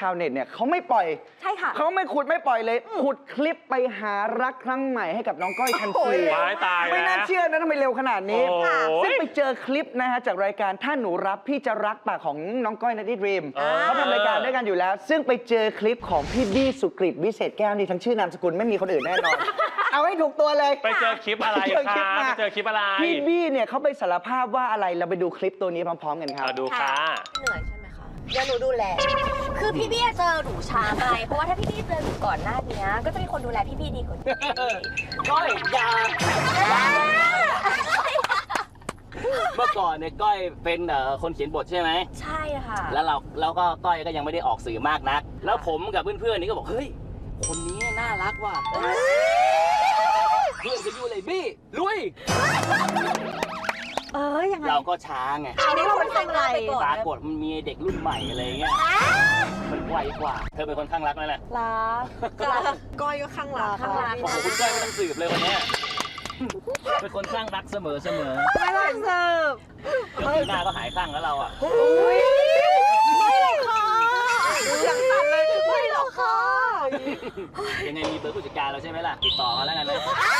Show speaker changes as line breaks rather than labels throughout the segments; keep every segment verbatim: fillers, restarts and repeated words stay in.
าวเน็ตเนี่ยเขาไม่ปล่อย
ใช่ค่ะ
เขาไม่ขุดไม่ปล่อยเลยขุดคลิปไปหารักครั้งใหม่ให้กับน้องก้อยทันที
ตายตาย
ไม่น่าเชื่อนะทำไมเร็วขนาดนี้ซึ่งไปเจอคลิปนะฮะจากรายการถ้าหนูรับพี่จะรักปากของน้องก้อยนัทธิดรีมเขาทำรายการด้วยกันอยู่แล้วซึ่งไปเจอคลิปของพี่บี้สุกฤตวิเศษแก้วนี่ทั้งชื่อนามสกุลไม่มีคนอื่นแน่นอนเอาให้ถูกตัวเลย
ไปเจอคลิปอะไรคะไปเจอคลิปอะไร
พี่บี้เนี่ยเขาไปสารภาพว่าอะไรเราไปดูคลิปตัวนี้พร้อมๆกันครับ
ดูค่ะ
เหนื่อยใช่ไหมคะเดี๋ยวหนูดูแลคือพี่บี้เจอหนูช้าไปเพราะว่าถ้าพี่บี้เจอหนูก่อนหน้านี้ก็จะมีคนดูแลพี่บี้ดีกว่า
ก้อยยาเมื่อก่อนเนี่ยก้อยเป็นคนเขียนบทใช่ไหม
ใช่ค่ะ
แล้วเราแล้วก็ก้อยก็ยังไม่ได้ออกสื่อมากนักแล้วผมกับเพื่อนๆนี่ก็บอกเฮ้ยคนนี้น่ารักว่ะเพื่อนจะอยู่เลยบี้ลุย
เออยังไง
เราก็ช้าไง
อันนี้เราเป็นทำอะไร
ปรากฏมันมีเด็กรุ่นใหม่อะไรเงี้ยมันไวกว่าเธอเป็นคนข้างรักไหมล่ะ
รัก
ก้อยก็ข้างรัก
ข้างรัก
โอ้โหคุณก้อยไม่ต้องสืบเลยวันนี้เป็นคนข้างรักเสมอเสมอ
ไม่ต้องสืบ
เดี๋ยวปีหน้าก็หายข้างแล้วเราอ่ะ
ไม่หรอกค่ะยังสั่นเลยไม่หรอกค่ะ
ยังไงมีเบอร์ผู้จัดการเราใช่ไหมล่ะติดต่อมาแล้วกันนะ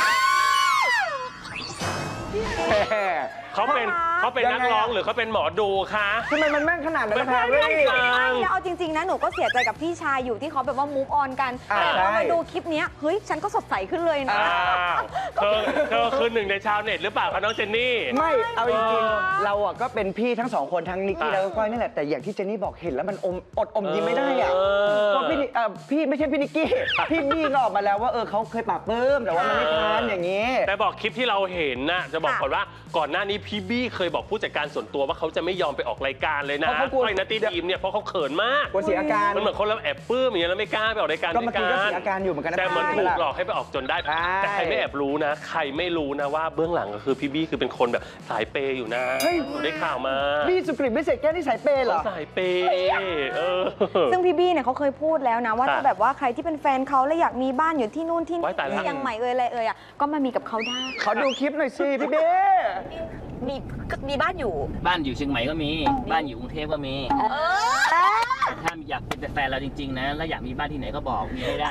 เขาเป็นเขาเป็นนักร้องหรือเขาเป็นหมอดูคะ
ทำไมมันแม่นขนาดนั้นคะ
เรื่
แล้วเอาจริงๆนะหนูก็เสียใจกับพี่ชายอยู่ที่เขาแบบว่ามูฟออนกันแต่พอมาดูคลิปนี้เฮ้ยฉันก็สดใสขึ้นเลยนะ
เธอเธอคือหนึ่งในชาวเน็ตหรือเปล่าคะน้องเจนนี่
ไม่เอาจริงๆเราอ่ะก็เป็นพี่ทั้งสองคนทั้งนิกกี้แล้วก็ก้อยนี่แหละแต่อย่างที่เจนนี่บอกเห็นแล้วมันอมอดอมยิ้มไม่ได้อ่ะเพราะพี่พี่ไม่ใช่พี่นิกกี้พี่บี้ก็ออกมาแล้วว่าเออเขาเคยปากปลื้มแต่ว่ามันไม่ทันอย่างนี้
แต่บอกคลิปที่เราเห็นน่ะจะบอกก่อนว่าก่อนหน้านี้พี่บี้เคยบอกผู้จัดการส่วนตัวว่าเขาจะไม่ยอมไปออกรายการเลยนะก้อยนัทธิดรีมเนี่ยเพราะเขาเขินมาก
กลัวเสียอาการ
มันเหมือนคนเราแอบปลื้มอย่างเงี้ยแล้วไม่กล้าไปออกรายการ
ก็เมื่อกี้ก็เสียอาการอยู่เหมือนกัน
แต่เหมือนถูกหลอกให้ไปออกจนได้แต่ใครไม่แอบรู้นะใครไม่รู้นะว่าเบื้องหลังก็คือพี่บี้คือเป็นคนแบบสายเปย์อยู่นะได้ข่าวมา
บี้สุกฤตวิเศษแก้วนี่สายเปย์เหรอ
สายเปย์
ซึ่งพี่บี้เนี่ยเขาเคยพูดแล้วนะว่าถ้าแบบว่าใครที่เป็นแฟนเขาและอยากมีบ้านอยู่ที่นู่นที่นี่ที่ยังใหม่เอ่ยอะไรเอ่ยอ่ะก็มามีกับเขาได้
เขาดูคลิปหน่อยสิพี่เบ้
มีมีบ้านอยู่
บ้านอยู่เชียงใหม่ก็มีบ้านอยู่กรุงเทพก็มีถ้าอยากเป็นแฟนเราจริงๆนะแล้วอยากมีบ้านที่ไหนก็บอกมีให้ได้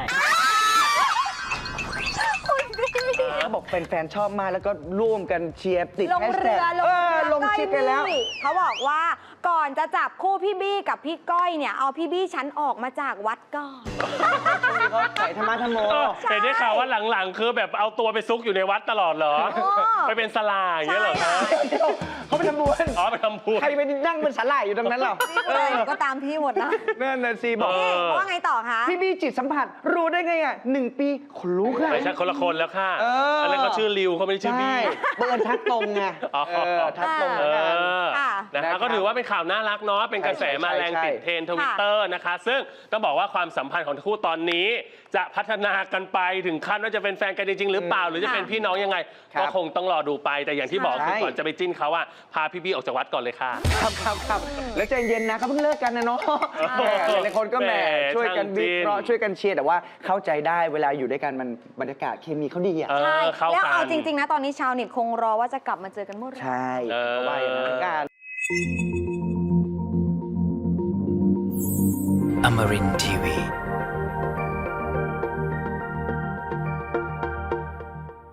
เขาบอกแฟนๆชอบมากแล้วก็ร่วมกันเชียร์ติด
แฮชแท็ก
ลงคลิปกันแล้ว
เขาบอกว่าก่อนจะจับคู่พี่บี้กับพี่ก้อยเนี่ยเอาพี่บี้ฉันออกมาจากวัดก่อน
เขาใส่ธรรมะธรรมโม
เห็นได้ข่าวว่าหลังๆคือแบบเอาตัวไปซุกอยู่ในวัดตลอดเหรอไปเป็นสลาอย่างเงี้ยเหรอคะ
เขาไปทำบุญ
อ๋อไปทำบุญ
ใครไปนั่งเป็นสลาอยู่ตรงนั้นหรอ
ก็ตามพี่หมดนะ
นั่นน่ะสิบอก
ว่าไงต่อคะ
พี่บี้จิตสัมผัสรู้ได้ไงอ่ะหนึ่งปีขนลุกค่ะ
ไม่ใช่คนละคนแล้วค่ะอันนั้นเขาชื่อริวเขาไม่ได้ชื่อบี้
เบิร์นทักตรงไงทักตรง
นะคะก็ถือว่าเป็นข่าวน่ารักเนาะเป็นกระแสมาแรงติดเทรนด์ทวิตเตอร์นะคะซึ่งต้องบอกว่าความสัมพันธ์ของทั้งคู่ตอนนี้จะพัฒนากันไปถึงขั้นว่าจะเป็นแฟนกันจริงๆหรือเปล่าหรือจะเป็นพี่น้องยังไงก็คงต้องรอดูไปแต่อย่างที่บอกคือก่อนจะไปจิ้นเขาอะพาพี่บี้ออกจากวัดก่อนเลยค่ะ
ครับครับครับแล้วใจเย็นนะเขาเพิ่งเลิกกันนะเนาะหลายคนก็แหมช่วยกันวิเคราะห์ช่วยกันเชียร์แต่ว่าเข้าใจได้เวลาอยู่ด้วยกันมันบรรยากาศเคมีเขาดีอ่ะ
ใช่แล้วเอาจริงๆนะตอนนี้ชาวเน็ตคงรอว่าจะกลับมาเจอกันเมื่อไหร่
ใช่เพราะว่าอย่างนั้นกัน
Amarin ที วี